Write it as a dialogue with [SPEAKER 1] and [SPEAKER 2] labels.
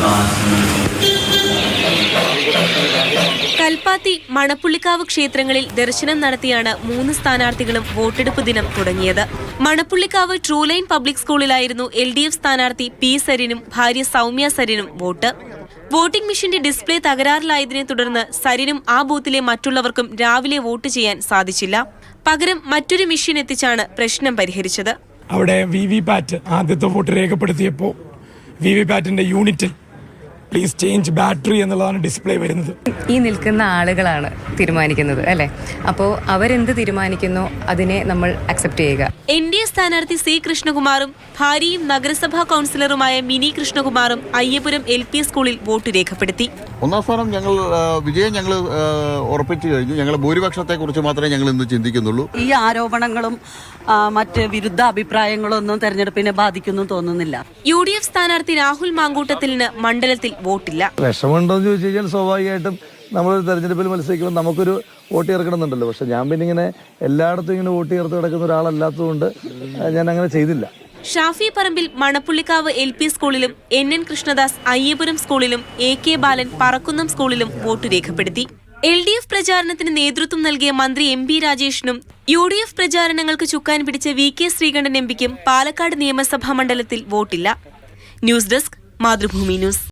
[SPEAKER 1] കൽപ്പാത്തി, മണപ്പുള്ളിക്കാവ് ക്ഷേത്രങ്ങളിൽ ദർശനം നടത്തിയാണ് 3 സ്ഥാനാർത്ഥികളും വോട്ടെടുപ്പ് ദിനം തുടങ്ങിയത്. മണപ്പുള്ളിക്കാവ് ട്രൂ ലൈൻ പബ്ലിക് സ്കൂളിലായിരുന്നു LDF സ്ഥാനാർത്ഥി P. സരിനും ഭാര്യ സൗമ്യ സരിനും വോട്ട്. വോട്ടിംഗ് മെഷീന്റെ ഡിസ്പ്ലേ തകരാറിലായതിനെ തുടർന്ന് സരിനും ആ ബൂത്തിലെ മറ്റുള്ളവർക്കും രാവിലെ വോട്ട് ചെയ്യാൻ സാധിച്ചില്ല. പകരം മറ്റൊരു മെഷീൻ എത്തിച്ചാണ് പ്രശ്നം പരിഹരിച്ചത്.
[SPEAKER 2] അവിടെ VVPAT ആദ്യത്തെ വോട്ട് രേഖപ്പെടുത്തിയപ്പോൾ VVPATന്റെ യൂണിറ്റിൽ പ്ലീസ് ചേഞ്ച് ബാറ്ററി എന്നുള്ളതാണ് ഡിസ്പ്ലേ വരുന്നത്.
[SPEAKER 3] ഈ നിൽക്കുന്ന ആളുകളാണ് തീരുമാനിക്കുന്നത് അല്ലേ? അപ്പോൾ അവരെന്ത് തീരുമാനിക്കുന്നോ അതിനെ നമ്മൾ അക്സെപ്റ്റ് ചെയ്യുക.
[SPEAKER 1] NDA സ്ഥാനാർത്ഥി C. കൃഷ്ണകുമാറും ഭാര്യയും നഗരസഭാ കൗൺസിലറുമായ മിനി കൃഷ്ണകുമാറും അയ്യപുരം LP സ്കൂളിൽ വോട്ട് രേഖപ്പെടുത്തി.
[SPEAKER 4] ഒന്നാം സ്ഥാനം വിജയം ഞങ്ങൾ ഉറപ്പിച്ചു കഴിഞ്ഞു. ഞങ്ങളുടെ ഭൂരിപക്ഷത്തെക്കുറിച്ച് മാത്രമേ ഞങ്ങൾ ഇന്ന് ചിന്തിക്കുന്നുള്ളൂ.
[SPEAKER 5] ഈ ആരോപണങ്ങളും മറ്റ് വിരുദ്ധ അഭിപ്രായങ്ങളും ഒന്നും തെരഞ്ഞെടുപ്പിനെ ബാധിക്കുന്നു തോന്നുന്നില്ല.
[SPEAKER 1] UDF സ്ഥാനാർത്ഥി രാഹുൽ മാങ്കൂട്ടത്തിന് മണ്ഡലത്തിൽ വോട്ടില്ല.
[SPEAKER 6] വിഷമമുണ്ടോന്ന് ചോദിച്ചു കഴിഞ്ഞാൽ സ്വാഭാവികമായിട്ടും നമ്മളൊരു തെരഞ്ഞെടുപ്പിൽ മത്സരിക്കുമ്പോൾ നമുക്കൊരു വോട്ട് ചേർക്കണമെന്നുണ്ടല്ലോ. പക്ഷെ ഞാൻ പിന്നെ ഇങ്ങനെ എല്ലായിടത്തും ഇങ്ങനെ വോട്ട് ചേർത്ത് കിടക്കുന്ന ഒരാളല്ലാത്തതുകൊണ്ട് ഞാൻ അങ്ങനെ ചെയ്തില്ല.
[SPEAKER 1] ഷാഫി പറമ്പിൽ മണപ്പുള്ളിക്കാവ് LP സ്കൂളിലും NN കൃഷ്ണദാസ് അയ്യപുരം സ്കൂളിലും AK ബാലൻ പറക്കുന്നം സ്കൂളിലും വോട്ട് രേഖപ്പെടുത്തി. LDF പ്രചാരണത്തിന് നേതൃത്വം നൽകിയ മന്ത്രി MP രാജേഷിനും UDF പ്രചാരണങ്ങൾക്ക് ചുക്കാൻ പിടിച്ച VK ശ്രീകണ്ഠൻ MPക്കും പാലക്കാട് നിയമസഭാ മണ്ഡലത്തിൽ വോട്ടില്ല. News desk, Mathrubhumi news.